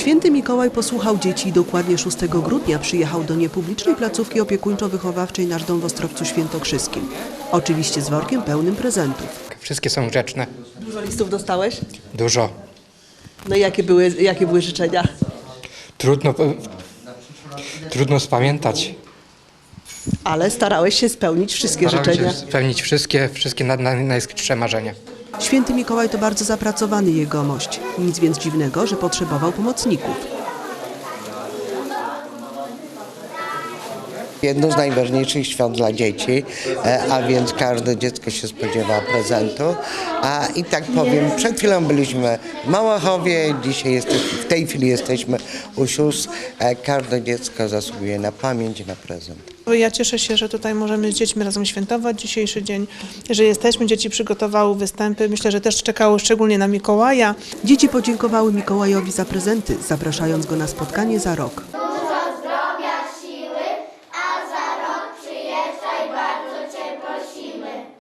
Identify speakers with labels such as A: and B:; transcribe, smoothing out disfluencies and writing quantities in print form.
A: Święty Mikołaj posłuchał dzieci i dokładnie 6 grudnia przyjechał do niepublicznej placówki opiekuńczo-wychowawczej Nasz Dom w Ostrowcu Świętokrzyskim. Oczywiście z workiem pełnym prezentów.
B: Wszystkie są grzeczne.
A: Dużo listów dostałeś?
B: Dużo.
A: No i jakie były życzenia?
B: Trudno spamiętać.
A: Ale starałeś się spełnić wszystkie życzenia.
B: Spełnić wszystkie najskrytsze marzenia.
A: Święty Mikołaj to bardzo zapracowany jegomość. Nic więc dziwnego, że potrzebował pomocników.
C: Jedno z najważniejszych świąt dla dzieci, a więc każde dziecko się spodziewa prezentu. I tak powiem, przed chwilą byliśmy w Małachowie, w tej chwili jesteśmy u sióstr. Każde dziecko zasługuje na pamięć i na prezent.
D: Ja cieszę się, że tutaj możemy z dziećmi razem świętować dzisiejszy dzień, że jesteśmy, dzieci przygotowały występy, myślę, że też czekały szczególnie na Mikołaja.
A: Dzieci podziękowały Mikołajowi za prezenty, zapraszając go na spotkanie za rok.